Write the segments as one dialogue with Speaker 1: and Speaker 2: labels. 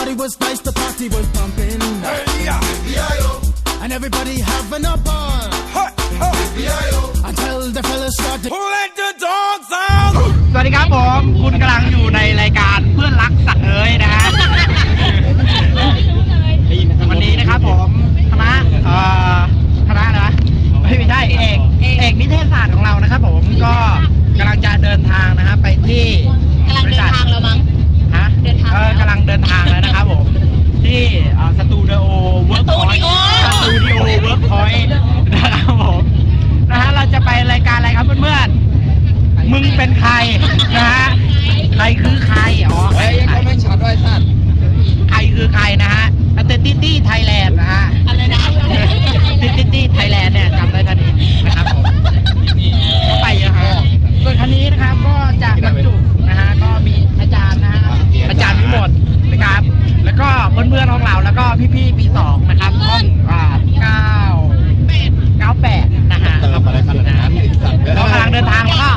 Speaker 1: party was nice, the party was pumping. And everybody having a ball. Until the fellas started. Who let the dogs out?
Speaker 2: สวัสดีครับผมคุณกำลังอยู่ในรายการเพื่อนรักสัตว์เอ๋ยนะฮะวันนี้นะครับผมคณะนะไม่ใช่เอกนิเทศศาสตร์ของเรานะครับผมก็กำลังจะเดินทางนะครับไปที่
Speaker 3: กำลังเดินทางแล้วมั้ง
Speaker 2: ฮะกำลังเดินทางแล้วนะครับผมที่สตูดิโอเวิร์กพอยต์นะครับผมนะฮะเราจะไปรายการอะไรครับเพื่อนๆมึงเป็นใครนะฮะใครคือใครอ๋อ
Speaker 4: เฮ้ยเขาไม่ช็อตด้วยสัตว์
Speaker 2: ใครคือใครนะฮะตี้ไทยแลนด์นะฮะ
Speaker 3: อะไรนะ
Speaker 2: ตี้ไทยแลนด์เนี่ยจำได้ทันทีนะครับผมก็ไปเยอะครับส่วนคันนี้นะครับก็จะบรรจุนะฮะก็มีอาจารย์นะฮะอาจารย์ทั้งหมดนะครับแล้วก็เพื่อนๆของเราแล้วก็พี่ๆปี2นะครับห้อง98นะฮะก็กำลังเดินทางแล้วก็กำลังเดินทางอยู่ครับ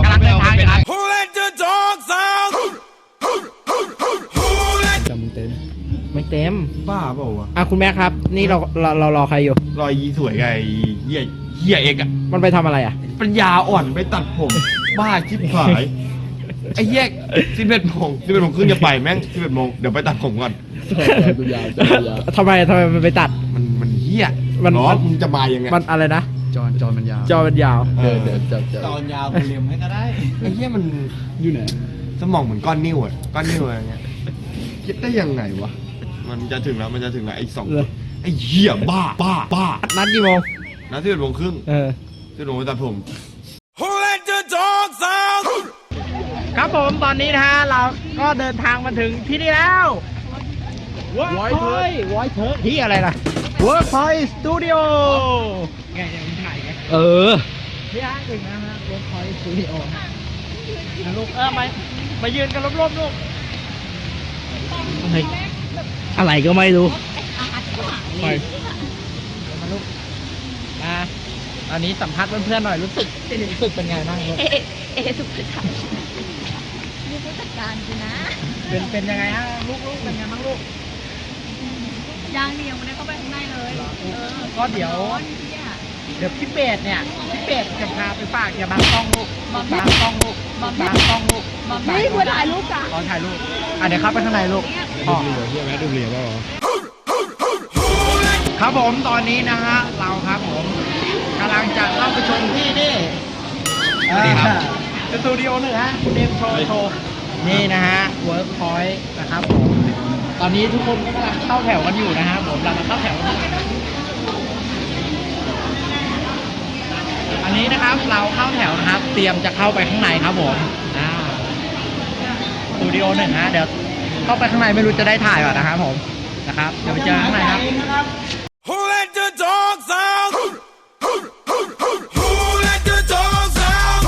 Speaker 2: ไม่เต็ม
Speaker 4: บ้าเปล่าวะ
Speaker 2: คุณแม่ครับนี่เรารอใครอยู่
Speaker 4: รอยีสวยไงเหี้ยเอกอะ
Speaker 2: มันไปทำอะไรอะ
Speaker 4: ปัญญาอ่อนไปตัดผมบ้าชิบหายไอ้แยก11 โมงครึ่งจะไปแม่ง11 โมงเดี๋ยวไปตัดผมก่อน
Speaker 2: ทำไมมันไปตัด
Speaker 4: มันเหี้ยมันจะมายังไง
Speaker 2: มันอะไรนะ
Speaker 4: จอมันยาว
Speaker 2: จ
Speaker 4: อนยาวเรียมให้ก็ได้ไอ้เหี้ยมันอยู่ไหนสมองเหมือนก้อนนิ้วอะไรเงี้ยคิดได้ยังไงวะมันจะถึงแล้วไอ้2ไอ้เหี้ยบ้า
Speaker 2: นัดกี่โมง
Speaker 4: นัด11 โมงครึ่ง11 โมงไปตัดผม
Speaker 1: Who let the dogs out?
Speaker 2: ครับผมตอนนี้นะฮะเราก็เดินทางมาถึงที่นี่แล้ววอยเทอร์ที่อะไรล่ะ Workpoint Studio ไงมึงถ่ายไงนี่ฮะถึงนะฮะ Workpoint Studio นะลูกมายืนกันรอบๆลูกอะไรก็ไม่รู้มาลูกตอนนี้สัมภาษณ์เพื่อนๆหน่อยรู้สึกเป็นไงบ้างลูก
Speaker 3: สุขภาพมีผู้จัดการกูนะ
Speaker 2: เป็นยังไงฮะลูกเป็นไงบ้างลูก
Speaker 3: ยังไม่ได้เข้าไปข้างในเลย
Speaker 2: ก็เดี๋ยวพี่เป็ดจะพาไปฝากอย่าบังกล้องลูก
Speaker 3: นี่กูถ่ายรูปจ้ะ
Speaker 2: ตอนถ่ายรูปเดี๋ยวเข้าไปข้างในลูก
Speaker 4: ดูเหลียวเปล่า
Speaker 2: ครับผมตอนนี้นะฮะเราครับผมกำลังจะเข้าไปชมที่นี่สตูดิโอหนึ่งฮะคุณเดมโชว์นี่นะฮะ Workpoint นะครับผมตอนนี้ทุกคนก็กำลังเข้าแถวกันอยู่นะฮะผมเราเข้าแถวอันนี้นะครับเราเข้าแถวนะครับเตรียมจะเข้าไปข้างในครับผมสตูดิโอหนึ่งฮะเดี๋ยวเข้าไปข้างในไม่รู้จะได้ถ่ายก่อนนะครับผมนะครับเดี๋ยวไปเจอข้างในครับ
Speaker 1: Who let the dogs out? Who let the dogs out?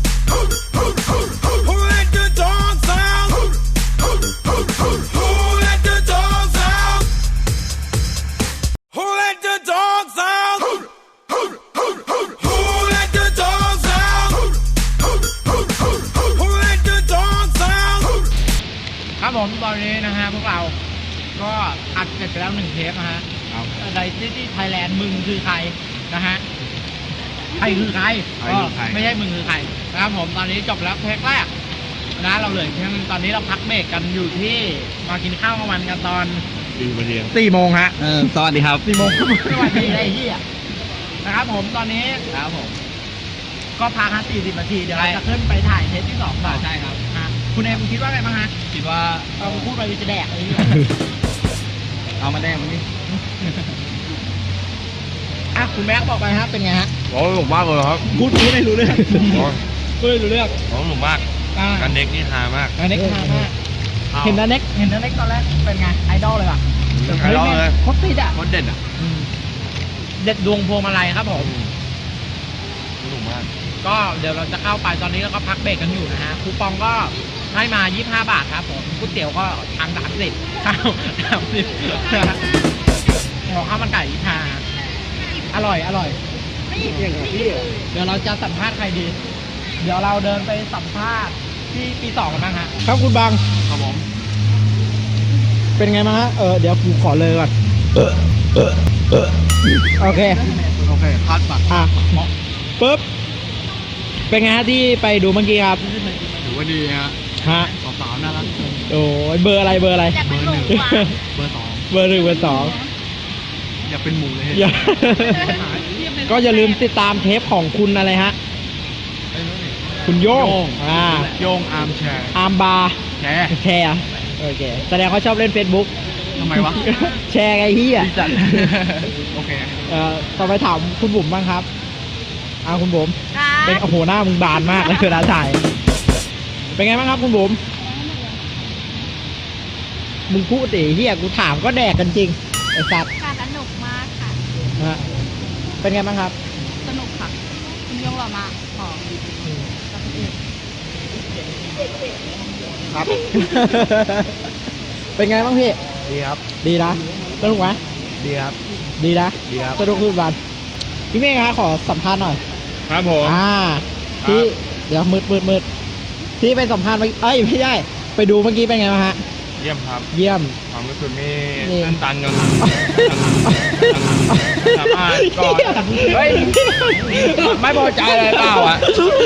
Speaker 1: Who let the dogs out? Who let the dogs out? Who let the dogs out? Who let the dogs out? Who let the dogs out?
Speaker 2: ครับผมตอนนี้นะฮะพวกเราก็อัดเสร็จไปแล้ว1 เทปนะฮะในที่ไทยแลนด์มึงคือใครนะฮะใครคือใครไม่ใช่มึงคือใครนะครับผมตอนนี้จบแล้วเทปแรกนะเราเหลือแค่ตอนนี้เราพักเบรกกันอยู่ที่มากินข้าวกลางวันกันตอน4 โมงฮะ
Speaker 4: สวัสดีครับ
Speaker 2: 4 โมงสวัสดีไอ้เหี้ยนะครับผมตอนนี้ครับผมก็พัก40 นาทีเดี๋ยวเราจะขึ้นไปถ่ายเทปที่2ต่อ
Speaker 4: ใช่ครับ
Speaker 2: คุณเอ็มคิดว่าไงบ้างฮะ
Speaker 4: คิดว่า
Speaker 2: เราพูดไปจะแดกอะไร
Speaker 4: เอามาแดงวันนี้
Speaker 2: คุณแม็กบอกไปฮะเป็นไงฮะ
Speaker 4: หนุกมากเลยครับ
Speaker 2: พูดไม่รู้เรื่องพูดไม่รู้เรื่อง
Speaker 4: หนุกมากการเน็กนี่ฮามาก
Speaker 2: เห็นนันเน็กตอนแรกเป็นไงไอดอลเลยป่ะ
Speaker 4: ไอดอลเลย
Speaker 2: โคตรติดอ่ะ
Speaker 4: โคตรเด็ดอ่ะ
Speaker 2: เด็ดดวงพวงมาลัยครับผม
Speaker 4: หนุกมาก
Speaker 2: ก็เดี๋ยวเราจะเข้าไปตอนนี้เราก็พักเบรกกันอยู่นะฮะคูปองก็ให้มา25 บาทครับผมก๋วยเตี๋ยวก็ทาง30ข้าว30ข้าวมันไก่25อร่อยเดี๋ยวเราจะสัมภาษณ์ใครดีเดี๋ยวเราเดินไปสัมภาษณ์ที่ปี2กันบ้างฮะครับคุณบัง
Speaker 4: ครับผม
Speaker 2: เป็นไงบ้างฮะเดี๋ยวกูขอเลยก่อนโอเคคาดปักปุ๊บเป็นไงฮะที่ไปดูเมื่อกี้ครับ
Speaker 4: ถือว่าดีฮะ
Speaker 2: ฮะ
Speaker 4: สาวๆน่ารัก
Speaker 2: โอ้ยเบอร์อะไรเบอร์อะไร
Speaker 3: อยากเป็นหมูหวาน
Speaker 4: เบอร์ 2
Speaker 2: เบอร์ 1 เบอร์ 2
Speaker 4: อย่าเป็นหมูเลย
Speaker 2: อย่า ก็อย่าลืมติดตามเทปของคุณอะไรฮะคุณโย่ง
Speaker 4: โยงอาร์มแชร์
Speaker 2: อาร์มบาร์
Speaker 4: แชร์
Speaker 2: แชร์โอเคแสดงเขาชอบเล่น Facebook
Speaker 4: ทำไมวะ
Speaker 2: แชร์ไงเฮีย
Speaker 4: จัดโอเค
Speaker 2: ต่อไปถามคุณบุ๋มบ้างครับคุณบุ๋ม
Speaker 3: ค่ะ
Speaker 2: เป็นโอ้โหหน้ามึงบานมากเลยเวลาถ่ายเป็นไงบ้างครับคุณบุ๋มมึงพูดดิเฮียกูถามก็แดกกันจริงไอ้สัตว์
Speaker 3: ค่ะสนุกมากค่ะ
Speaker 2: ฮะเป็นไงบ้างครับ
Speaker 3: สนุกค่ะ คุณยงหล่อมากของ
Speaker 2: ครับ เป็นไงบ้างพี่
Speaker 4: ดีครับ
Speaker 2: ดีนะสนุกไหม
Speaker 4: ดีครับ
Speaker 2: ดีนะ
Speaker 4: ดีครับ
Speaker 2: สนุกขึ้นวันพี่เมฆครับขอสัมภาษณ์หน่อย
Speaker 4: ครับผม
Speaker 2: ที่เดี๋ยวมืดที่ไปสัมภาษณ์ไม่ใช่ไปดูเมื่อกี้เป็นไงบ้างฮะ
Speaker 4: เยี่ยมครับ
Speaker 2: เยี่ยม
Speaker 4: ความรู้สึกนี่
Speaker 2: นี่
Speaker 4: ตื้นตันจนสามารถก่อนเฮ้ยไม่พอใจอะไรเปล่าอ่ะ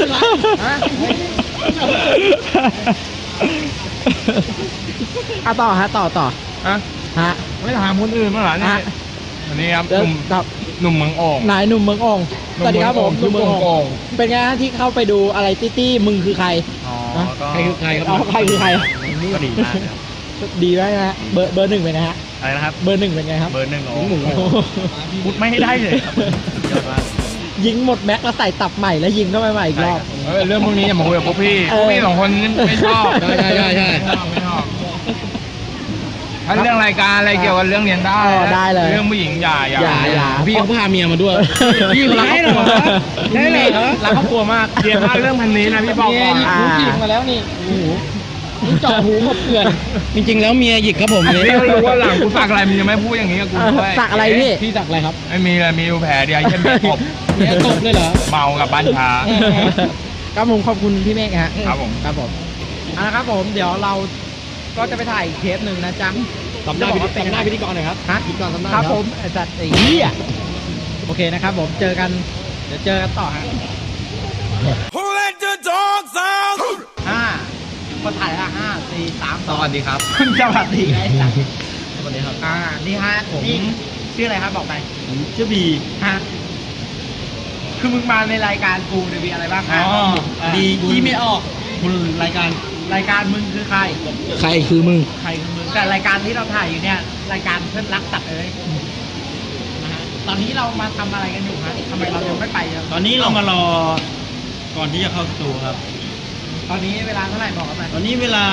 Speaker 2: ต่อฮะต่อ
Speaker 4: ฮะ
Speaker 2: ฮะ
Speaker 4: ไม่ถามคนอื่นมั้างเหรอเนี่ย
Speaker 2: ฮะ
Speaker 4: วันนี้ครับ
Speaker 2: เดี๋ยว
Speaker 4: หนุ่มเมืองโอ่ง
Speaker 2: นายหนุ่มเมืองอ่อง
Speaker 4: หนุ่
Speaker 2: ส
Speaker 4: ม
Speaker 2: วัสดีครับผม
Speaker 4: เมืองโอ่ง
Speaker 2: เป็นไงฮะที่เข้าไปดูอะไรตี้มึงคือใคร
Speaker 4: อ๋อ
Speaker 2: ฮะ
Speaker 4: ก็
Speaker 2: ใครคือใครครับใครคือใคร
Speaker 4: ก็ดีมากนะครับ
Speaker 2: ดีไหมนะฮะเบอร์ 1เป็นไงฮะ
Speaker 4: อะไรนะครับ
Speaker 2: เบอร์ 1เป็นไงครับ
Speaker 4: เบอร์ 1
Speaker 2: โอ้โห
Speaker 4: พูดไม่ให้ได้เลยครับยอดมาก
Speaker 2: ยิงหมดแม็กแล้วใส่ตับใหม่แล้วยิงเข้าไปใหม่อีกรอบ
Speaker 4: เรื่องพวกนี้อย่ามาคุยกับพวกพี่พวกพี่สองคนไม่ชอบ
Speaker 2: ใช่
Speaker 4: ไม่ชอบถ้าเรื่องรายการอะไรเกี่ยวกับเรื่องเรียนได้
Speaker 2: ได้เลย
Speaker 4: เรื่องผู้หญิงอย่า
Speaker 2: พี่เขาพาเมียมาด้วยพี่รักเหรอรักครอบครัวมาก
Speaker 4: เรียนพลาดเรื่องพันนี้นะพี่บอกก่อน
Speaker 2: ผู้หญิงมาแล้วนี่โอ้โหนี่เจาะหูหมดเกลื่อน
Speaker 5: จริงๆ แล้วเมียหยิกครับผม
Speaker 4: นี่ก็รู้ว่าหลังกูสักอะไรมึงยังไม่พูดอย่างนี้กับกูด้วย
Speaker 2: สักอะไรพี่
Speaker 5: พี่สักอะไรครับ
Speaker 4: ไม่มีเลยมีอยู่แผลเดียวเช่นมีตบ
Speaker 5: เมียตบเลยเหรอ
Speaker 4: เมากับบ้านช้า
Speaker 2: ครับผมขอบคุณพี่เมฆฮะ
Speaker 4: ครับผม
Speaker 2: ครับผมครับผมเดี๋ยวเราก็จะไปถ่ายอีกเทปหนึ่งนะจ๊ะ
Speaker 5: สัมภาษณ์พิธีกรหน่อยครับ
Speaker 2: ฮะ
Speaker 5: พิธีกรสัมภาษณ์
Speaker 2: ครับผมไอ้จัดไอ้เหี้ยโอเคนะครับผมเจอกันเดี๋ยวเจอกันต่อฮะ
Speaker 1: Who let the dogs out?
Speaker 2: คนถ่ายละ5 4 3
Speaker 5: สวัสดีครับ
Speaker 2: 2สวัสดีไอ้สัตว์
Speaker 5: สวัสดีครับ
Speaker 2: นี่ฮะนี่ชื่ออะไรครับบอกไป
Speaker 5: ผมชื่อบี
Speaker 2: ฮะคือมึงมาในรายการกูเนี่ยมีอะไรบ้างฮะ
Speaker 5: บียี่ไม่ออก คุณรายการ
Speaker 2: รายการมึงคือใคร
Speaker 5: ใครคือมึง
Speaker 2: ใครคือมึงแต่รายการที่เราถ่ายอยู่เนี่ยรายการเพื่อนรักสัตว์เอ้ยนะฮะตอนนี้เรามาทำอะไรกันอยู่ฮะทำไมเรายังไม่ไปะ
Speaker 5: ตอนนี้เรามารอก่อนที่จะเข้าสตูครับ
Speaker 2: ตอนนี้เวลาเท่าไหร่บอกกันไป
Speaker 5: ตอนนี้เวลา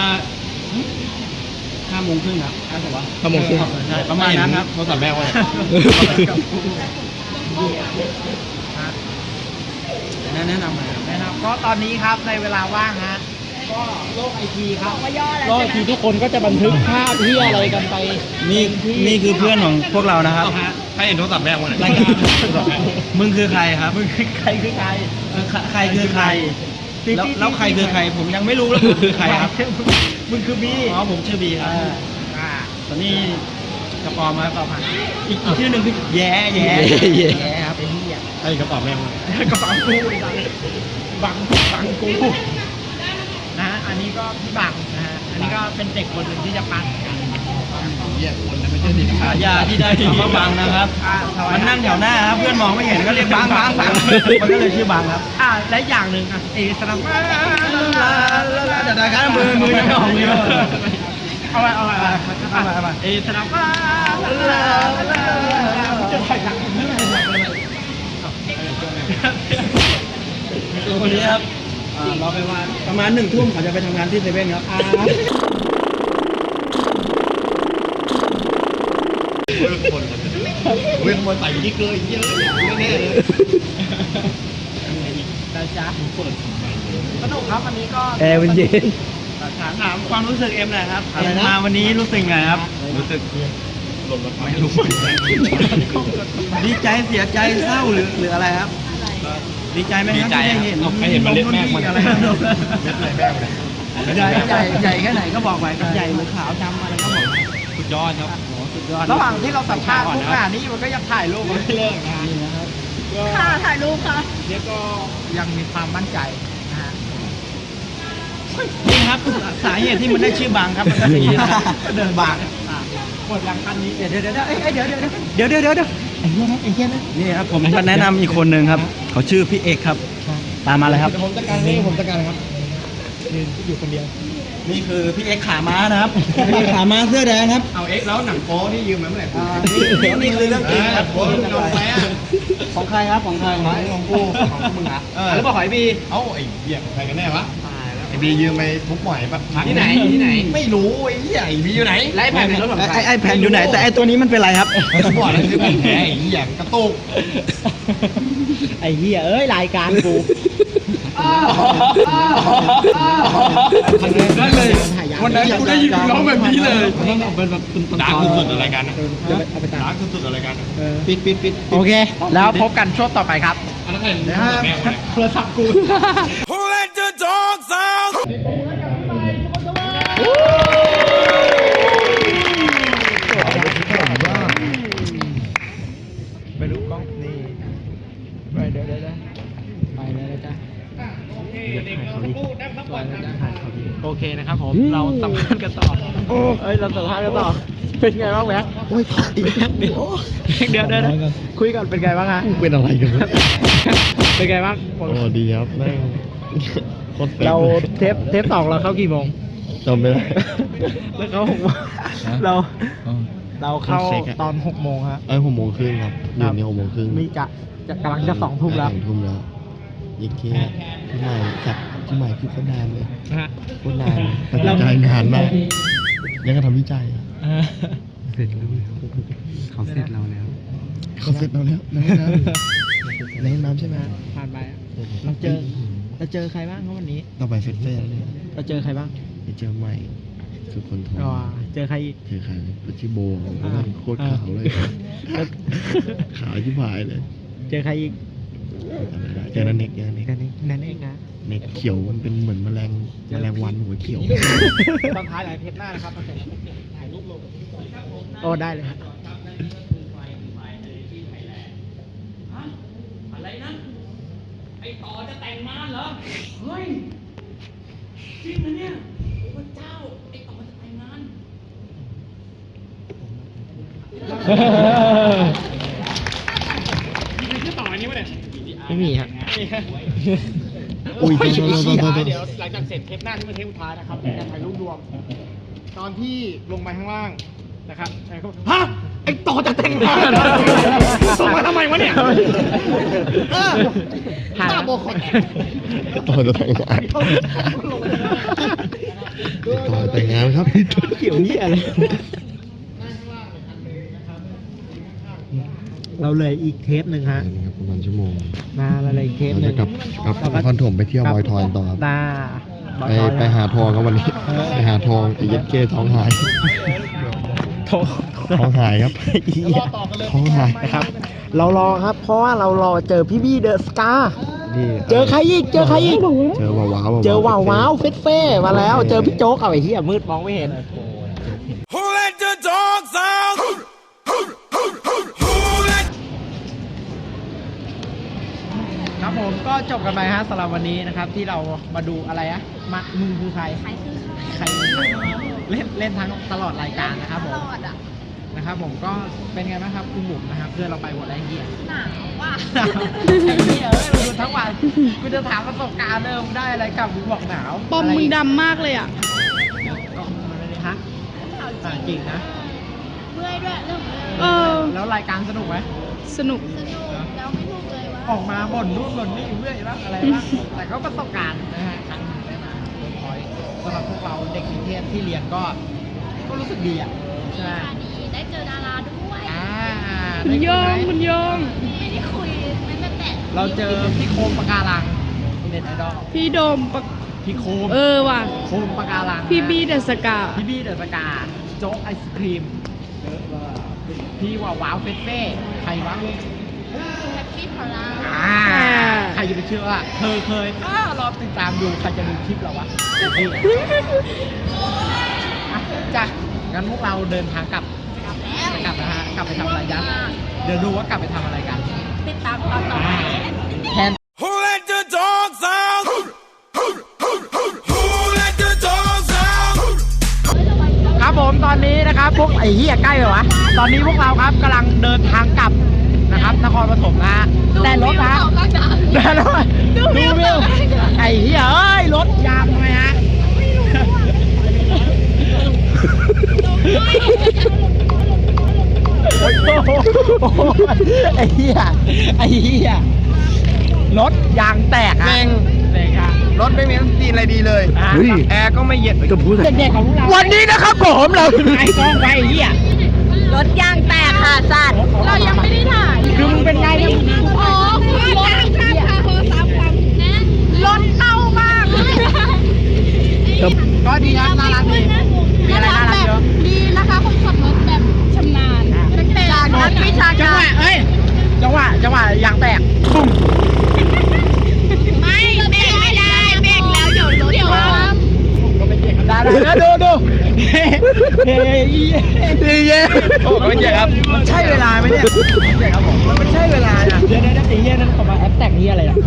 Speaker 5: 5 โมงครึ่งครับใช่ปะวะ
Speaker 2: 5 โมงครึ่ง
Speaker 5: ใช่ประมาณนั้นครับโทรศัพท์แม่ว่าแนะนำหน่อยครับ
Speaker 2: นะครับก็ตอนนี้ครับในเวลาว่างฮะก็โลกไอทีครับ
Speaker 3: ว่าย่อแล้ว
Speaker 2: โลกไอทีทุกคนก็จะบันทึกภาพที่อะไรกันไป
Speaker 5: นี่คือเพื่อนของพวกเรานะครับ
Speaker 4: ใครเห็นโทรศัพท์แม่กูเนี่ย
Speaker 5: รายการมึงคือใครครับ
Speaker 2: มึงคือใครคือใคร
Speaker 5: ใครคือใคร แล้วใครคือใคร ผมยังไม่รู้แล้วผมคือใครครับ
Speaker 2: มึงคือบี
Speaker 5: อ๋อผมชื่อบีครับ
Speaker 2: อ่า
Speaker 5: ตอนนี้กระปอมครับ
Speaker 2: ต่อมา
Speaker 5: อีกชื่อหนึ่งคือแย่
Speaker 2: แย่ครับไอ้เหี้ย
Speaker 5: ไอ้กระป๋อแม่ง
Speaker 2: กระเป๋ากูไอ้สัสบังกูนะฮะอันนี้ก็พี่บังนะฮะอันนี้ก็เป็นเด็กคนหนึ่งที่จะปัน
Speaker 5: ฉายาที่ได้คำว่าบังนะครับ มันนั่งแถวหน้าครับ เพื่อนมองไม่เห็นก็เรียกบังมันก็เลยชื่อบังครับ
Speaker 2: และอย่างหนึ่งเอสนับ
Speaker 5: เดี๋ยวนะครับมือยังไม่ออกเลย
Speaker 2: เอาไปเอสนับจะถ่ายหนัง
Speaker 5: วันนี้ครับรอไปว่าประมาณ1 ทุ่มเขาจะไปทำงานที่เซเว่นครับ
Speaker 4: เว้นมาใส่ที่เกยเยอะแน่เลย
Speaker 2: นะจ๊ะสนุกครับวันนี้ก็
Speaker 5: แอร์มันเย็นถามความรู้สึกเอ็มหน่อยครับมาวันนี้รู้สึกไงครับ
Speaker 4: รู้สึก
Speaker 5: ไม่รู้ดีใจเสียใจเศร้าหรืออะไรครับ ดีใจไหมครับที่ได้เห็น
Speaker 4: ไม่เห็นมันเล็ดแม่มัน
Speaker 5: อะไรครับ
Speaker 4: เล็ดอะไรแม่มัน
Speaker 5: ใหญ่แค่ไหนก็บอกไปใหญ่หรือขาวดำอะไรก็บอก
Speaker 4: สุด
Speaker 5: ยอดครับโอ้สุดยอด
Speaker 2: ระหว่างที่เราสัมภาษณ์พวกงานนี้มันก็ยังถ่ายรูปไม่เลิกนะฮะ
Speaker 5: นี่นะครับ
Speaker 3: ค่ะถ่ายรูปค่ะ
Speaker 2: เดี๋ยวก็ยังมีความมั่นใจนะฮะ
Speaker 5: นี่ครับสาเหตุที่มันได้ชื่อบางครับมันก็เป็นอย่างนี้นะครับ
Speaker 2: เดินบางหมดยังคันนี้เดี๋ยวเดี๋ยวไอ้เหี้ยนะ
Speaker 5: นี่ครับผมก็แนะนำอีกคนหนึ่งครับ เขาชื่อพี่เอกครับ ตามมาเลยครับ
Speaker 2: ผมจัดการนี่ผมจัดการครับอยู่คนเดียว
Speaker 5: นี่คือพี่เอกขาม้านะครับ พี่เอกขาม้าเสื้อแดงครับ
Speaker 4: เอาเอ็กซ์แล้วหนังโป๊นี่ยืมมาเมื่อไหร่
Speaker 5: นี่คือเรื่องจริงครับ
Speaker 4: โป๊มึงเอาไปอ่ะ
Speaker 5: ของใครครับของใคร
Speaker 4: ของกูของมึงอ่ะแล้วบอกหอยบีเอ้าไอ้เหี้ยใครกันแน่วะไอ้บียืมไปทุบหมอยปะที่ไหนไม่รู้ไอ้เหี้ยไอ้บีอยู่ไหน
Speaker 2: ไล่แผ่นเป็นรถของใคร
Speaker 5: ไอ้แผ่นอยู่ไหนแต่ไอ้ตัวนี้มันเป็นไรครับ
Speaker 4: ทุบหมอยแล้วคือแผ่นแท้ไอ้เหี้ยกระตุก
Speaker 2: ไอ้เหี้ยเอ้ยรายการกู
Speaker 4: ได้เลยวันนั้นกูได้ยินร้องแบบนี้เลย
Speaker 2: เป็นแบบ
Speaker 4: ดาร์กสุดๆอะไรกันนะดาร์กสุดๆอะไรกันปิด
Speaker 2: โอเค แล้วพบกันช่วงต่อไปครับ
Speaker 4: นะครับ
Speaker 2: โทรศัพท์กู
Speaker 1: Who let the dogs out?
Speaker 2: ไปดูกล้องนี่ไปเดี๋ยวไปเลยนะจ๊ะโอเคนะครับผมเราสัมภาษณ์กันต่อเราสัมภาษณ์กันต่อเป็นไงบ้างแม็กโอ้ยอีกแป๊บเดียวคุยกันเป็นไงบ้างฮะ
Speaker 4: เป็นอะไรกันวะ
Speaker 2: เป็นไงบ้าง
Speaker 4: โอ้ดีครับแม่งโคตรเซ็ง
Speaker 2: เรา
Speaker 4: เลย
Speaker 2: เทปสองเราเข้ากี่โมง
Speaker 4: จำไม่ได้
Speaker 2: แล้วเขา6 โมงเราเข้าตอน6 โมงฮะ
Speaker 4: 6 โมงครึ่งครับเดี๋ยวนี้6 โมงครึ่ง
Speaker 2: นี่จะกำลังจะ2 ทุ่มแล้ว
Speaker 4: 2 ทุ่มแล้วยิ่งเที่ยพี่ใหม่จับพี่ใหม่คือคนนานเลย
Speaker 2: นะฮะ
Speaker 4: โคตรนานตัดสินใจนานมากยังก็ทำวิจัยอะ
Speaker 5: เสร็จแล้วเขาเสร็จเราแล้ว
Speaker 4: เขาเสร็จเราแล้วในน้ำใช่ไหม
Speaker 2: ผ่านไปอะเราเจอใครบ้างครับวันนี้
Speaker 4: ต่อไปเฟสเฟ่เลย
Speaker 2: เราเจอใครบ้าง
Speaker 4: ไปเจอใหม่สุดคนทอง
Speaker 2: อ๋อเจอใครอีก
Speaker 4: เจอใครชื่อโบโคตรขาวเลย ขาวชิบหายเลย
Speaker 2: เจอใครอีก
Speaker 4: เจอนั่นเน็ก
Speaker 2: นั่นเองนะ
Speaker 4: เน็กเขียวมันเป็นเหมือนแมลงวันหัวเขียว
Speaker 2: ตอนท้ายหลายเทปหน้านะครับถ่ายรูปลงโอ้ได้เลยครับ
Speaker 6: อะไรนะ ไอ้ต่อจะแต่งงานเหรอ เฮ้ย จริงนะเนี่ยพระเจ้า ไอ้ต่อจะแต่งงาน
Speaker 2: ไม่มีครับ
Speaker 4: อุ้ย
Speaker 2: เดี๋ยว
Speaker 4: โทษ
Speaker 2: หลังจากเสร็จเทปหน้าที่เป็นเทปสุดท้ายนะครับเป็นการถ่ายรูปรวม ตอนที่ลงไปข้างล่างนะครับฮะไอ้ต่อจะแต่งงานส่งมาทำไมวะเนี่ยตาโบคอน
Speaker 4: ต่อจะแต่งงานต่อแต่งงานครับ
Speaker 2: เกี่ยวนี่อะไรเราเลยอีกเทปหนึ่งฮะ
Speaker 4: ครับประมาณชั่วโมง
Speaker 2: มาเราเลยอีกเทป
Speaker 4: เรา
Speaker 2: ห
Speaker 4: จะ
Speaker 2: นึ่ง
Speaker 4: กลับนครถมไปเที่ยวบอยทอยต่อครับ ไปหาทองครับวันนี้ไปหาทองไอ้เย็ดเก้ท้องหายท้องหายครับท้องหาย
Speaker 2: นะครับ เรารอครับ เพราะว่าเรารอเจอพี่บี้เดอะสกา
Speaker 4: นี่
Speaker 2: เจอใครอีก เจอ
Speaker 4: ว้าว
Speaker 2: เจอว้าวเฟ่มาแล้ว เจอพี่โจ๊กเอาไอ้เหี้ยมืดมองไม่เห็น
Speaker 1: Who let the dogs out? Who let
Speaker 2: ครับผมก็จบกันไปฮะสำหรับวันนี้นะครับ ที่เรามาดูอะไรอะมึงคือใคร
Speaker 3: ใครคือใคร
Speaker 2: ใครเล่นทั้งตลอดรายการนะครับผม
Speaker 3: ตลอดอ่ะ
Speaker 2: นะครับผมก็เป็นไงบ้างครับคุณบุ๋มนะครับเพื่อนเราไปหมดแล้วไอ้เหี้ย
Speaker 3: หนาวว่ะ
Speaker 2: ไอ้เหี้ยเราดูทั้งวันกูจะถามประสบการณ์เดิมได้อะไรกลับมึงบอกหนาว
Speaker 7: ปอมมึงดำมากเลยอ่ะ
Speaker 2: ก็มันเลยฮะจริงนะ
Speaker 3: เมื่อยด้วยเรื่องเมื่อย
Speaker 7: เออ
Speaker 2: แล้วรายการสนุกไหม
Speaker 7: สนุก
Speaker 3: สนุกแล้วไม่ถูกเลยว่า
Speaker 2: ออกมาบ่นนู่นบ่นนี่เรื่อยบ้างอะไรบ้างแต่ก็ประสบการณ์นะฮะครั้งหนึ่งได้มาเวิร์กพอยต์สำหรับพวกเราเด็กนิเทศที่เรียนก็รู้สึกดีอ่ะใช่ไหม
Speaker 3: ดีได้เจอดาราด้วย
Speaker 2: ได้
Speaker 7: โย
Speaker 2: คุ
Speaker 7: ง
Speaker 2: ไห
Speaker 7: คุณโยง
Speaker 3: ไม่ได้คุยไม่ได้แตะ
Speaker 2: เราเจอพี่โคมปะการังเน็ตไอดอล
Speaker 7: พี่โดมปะ
Speaker 2: พี่โคม
Speaker 7: เออว่ะ
Speaker 2: โคมปะการัง
Speaker 7: พี่บี้เดอะสกา
Speaker 2: พี่บี้เดอะสกาโจ๊กไอศครีมพี่ว้าวเฟสเฟ่ใครวะ
Speaker 3: แฮปปี้พอลา
Speaker 2: ใครจะไปเชื่อว่าเธอเคยรอติดตามดูใครจะดูคลิปเราวะจ้ะงั้นพวกเราเดินทางกลับนะฮะกลับไปทำอะไรกันเดี๋ยวดูว่ากลับไปทำอะไรกัน
Speaker 3: ติดตามตอนต่อไป
Speaker 2: แทน
Speaker 1: Who let the dogs out? Who let the dogs out?
Speaker 2: ครับผมตอนนี้นะครับพวกไอ้เหี้ยใกล้เลยวะตอนนี้พวกเราครับกำลังเดินทางกลับนะครับนครปฐมนะฮะแต่รถนะแต่รถดูวิวไอ้เหี้ยเอ้ยรถยางทำไมฮะโอ้โหไอ้เหี้ยรถยางแตกอะแตกอะ
Speaker 4: รถไม่มีซีนอะไรดีเลย แอร์ก็ไม่เย็น
Speaker 2: เด็กๆของเราวันนี้นะครับผมเราไอ้กองไฟเหี้ย
Speaker 3: รถยางแตกค่ะสัตว์เรายังไม่ได้ถ่าย
Speaker 2: คือมึงเป็นไงเนี่ย
Speaker 3: โอ้โหรถยางค่ะโทรศัพท์ฟังรถเต้ามาก
Speaker 2: ก็ดีครับน่ารักดีมีอะไรน่ารักเยอะ
Speaker 7: ดีนะคะคนขับรถแบบชำนาญ
Speaker 3: จากนักวิชา
Speaker 2: จัง
Speaker 3: กา
Speaker 2: หวะ
Speaker 3: ร
Speaker 2: เอ้ยจังหวะยางแตกปุ้ม
Speaker 3: ไม่เบรกไม่ได้เบรกแล้วเดี๋ยวรถคว่ำ
Speaker 2: ได้ดูเฮ้ยเย้
Speaker 4: โอ้ไม่ใช่ครับ
Speaker 2: มันใช่เวลาไหมเนี่ยใช่ครับผมมันใช่เวลาอ่ะเดี๋ยวไอ้เหี้ยนั่นเขามาแอปแตกนี่อะไรอ่ะ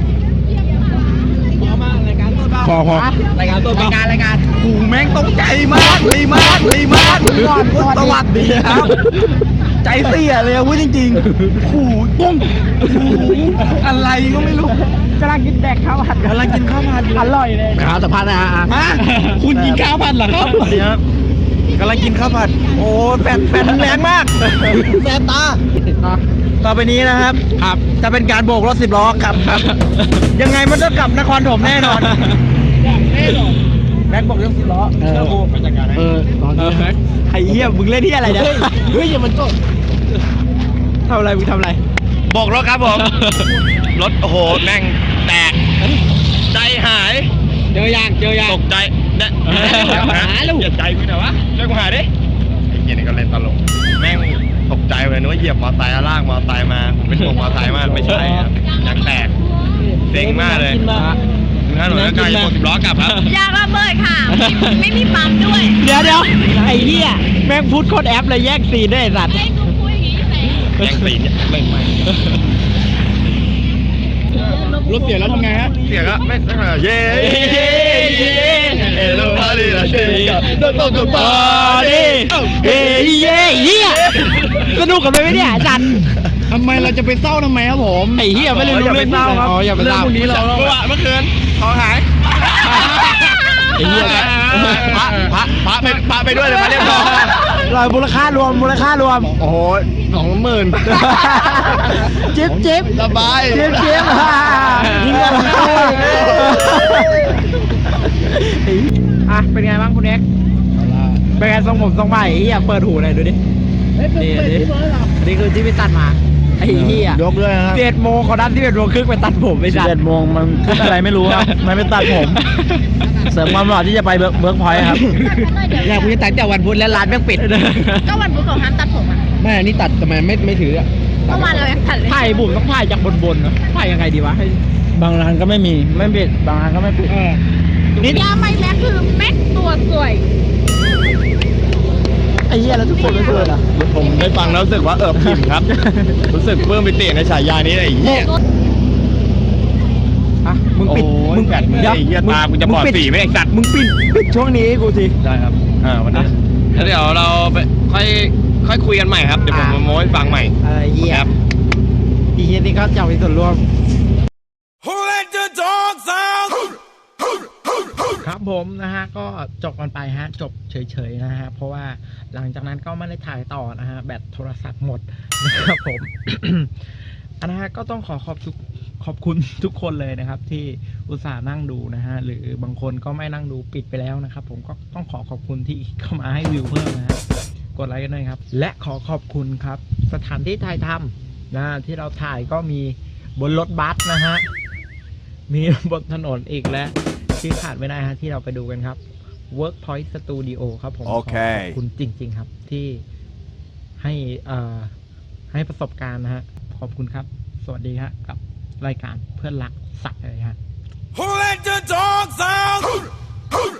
Speaker 2: พอรายการตัวรายการ
Speaker 5: หูแม่งตกใจมากเลยมากสวัสดีครับ ใจเสียเลยพูดจริงๆหูตุ้งอะไรก็ไม่รู้
Speaker 2: กำลังกินแดกข้าวผัด
Speaker 5: กำลังกินข้าวผัดอยู่
Speaker 2: อร่อยเลยข้าวสัมภาษณ์นะฮะ
Speaker 5: ฮะคุณกินข้าวผัดเหรอครับครับกำลังกินข้าวผัดโอ้แฟนแรงมากแสบตาต่อไปนี้นะครับจะเป็นการโบกรถ10 ล้อกลับครับ ยังไงมันต้องกลับนครปฐมแน่นอนแม็กบอกเรื่อง10 ล้อเชื่อกูไปจัดการให้ตอนนี้ไอ้เหี้ยมึงเล่นที่อะไรเนี่ยเฮ้ยอย่ามันก็ทำอะไรมึงทำอะไร
Speaker 4: บอกรถครับผม รถโอ้โหแม่งแตก ใจหาย
Speaker 2: เจอยาง
Speaker 4: ตกใจเนี่ย
Speaker 2: หาลูก
Speaker 4: เหยียบใจกูหน่อยวะเรียกกูหาดิไอ้เหี้ยนี่ก็เล่นตลกแม่งตกใจเลยนึกว่าเหยียบมอไซค์ลากมอไซค์มาผมเป็นห่วงมอไซค์มากไม่ใช่ครับยางแตกเซ็งมากเลยถ้าหนูจะกลายเป็น10 ล้อกลับครับ
Speaker 3: ยางระเบิดค่ะ ไม่มีปั๊มด้วย
Speaker 2: เดี๋ยวไอ้เหี้ยแม่งพูดโคตรแอปเลยแยกซีนด้วยไอ้สัตว์
Speaker 3: ให้กูพูดอย่างนี้แต่
Speaker 4: แย่งสีเนี่ยไม่
Speaker 2: รถเสียแล้วทำไงฮะ
Speaker 4: เสียก็ไม่เย้เอโลฮาลีลาเชยโดนตกปาดิ
Speaker 2: เฮ้ยเหี้ยสนุกกันไหมเนี่ยอาจารย์ทำไมเราจะไปเศร้าทำไมครับผมไอ้เหี้ยไม่รู้เรื่องเศร้าครับอย่าไปเศร้า
Speaker 4: พรุ่งนี้เราเมื่อคืนของหาย
Speaker 2: ไอ้เหี้ย
Speaker 4: พระไปด้วยเลยมาเรียบร้อย
Speaker 2: ลอยมูลค่ารวม
Speaker 4: โอ้โห20,000
Speaker 2: จิ๊บ
Speaker 4: สบาย
Speaker 2: ยิงกันอ่ะเป็นไงบ้างคุณเอ็กเป็นไงทรงผมทรงใหม่เหี้ยเปิดหูหน่อยดูดินี่คือที่ไปตัดมาไอ้เหี้ย
Speaker 5: ยกด้วยนะครับ
Speaker 2: 11 โมงเขาดัน11 โมงครึ่งไปตัดผมไปจัด
Speaker 5: 11 โมงมันคิดอะไรไม่รู้ครับมันไม่ตัดผม เสริมความหล่อที่จะไปเบิร์กพอยต์ครับ
Speaker 2: อยากพูดตัดแต่วันพุธแล้วร้านแม่งปิด
Speaker 3: ก็วันพุธของห้ามตัดผมอ่ะ
Speaker 2: ไม่อันนี้ตัดทำไมไม่ถืออ่ะ
Speaker 3: เมื่อวานเรายังตัดเลย
Speaker 2: ถ่ายบุ๋มต้องถ่ายจากบนๆนะถ่ายยังไงดีวะให้
Speaker 5: บางร้านก็ไม่มีไม่ปิดบางร้านก็ไม่ปิด
Speaker 2: นี่
Speaker 3: ยาไม่แม็กคือแม็กตัวสวย
Speaker 2: ไอ้เหี้ยแล้วทุกคนไม่เปิดอ่ะ
Speaker 4: ผมได้ฟังแล้วรู้สึกว่าพิมครับ รู้สึกเพิ่มไปเตะในฉายานี้ไอ้เหี้ย
Speaker 2: อ่ะมึงปิด
Speaker 4: โอ้ย
Speaker 2: มึง
Speaker 4: แปดหมื่น
Speaker 2: ดี๋ว
Speaker 4: ไอ้เหี้ยตากูจะบอดสีไหมไอ้สัตว์
Speaker 2: มึงปิดช่วงนี้ให้กูสิ
Speaker 4: ได้ครับวันนี้แล้วเดี๋ยวเราไปค่อยคุยกันใหม่ครับ เดี๋ยวผมมาโม้ให้ฟังใหม่
Speaker 2: อะไรเหี้ย
Speaker 4: ครับ
Speaker 2: อีเหี้ยนี่ก็จะมีส่วนร่วม
Speaker 1: Who let the dogs out?
Speaker 2: ครับผมนะฮะก็จบกันไปฮะจบเฉยๆนะฮะเพราะว่าหลังจากนั้นก็ไม่ได้ถ่ายต่อนะฮะแบตโทรศัพท์หมดนะครับผม นะฮะก็ต้องขอบคุณทุกคนเลยนะครับ ที่อุตส่าห์นั่งดูนะฮะหรือบางคนก็ไม่นั่งดูปิดไปแล้วนะครับ ผมก็ต้องขอบคุณที่เข้ามาให้วิวเพิ่มนะฮะกดไลค์กันหน่อยครับและขอบคุณครับสถานที่ถ่ายทำนะที่เราถ่ายก็มีบนรถบัสนะฮะมีบนถนนอีกและที่ขาดไม่ได้ฮะที่เราไปดูกันครับ Workpoint Studio ครับผม
Speaker 1: โอเค
Speaker 2: ขอบคุณจริงๆครับที่ให้ประสบการณ์นะฮะขอบคุณครับสวัสดีครับกับรายการเพื่อนรักสัตว์เลยฮะ
Speaker 1: Who let the dogs out?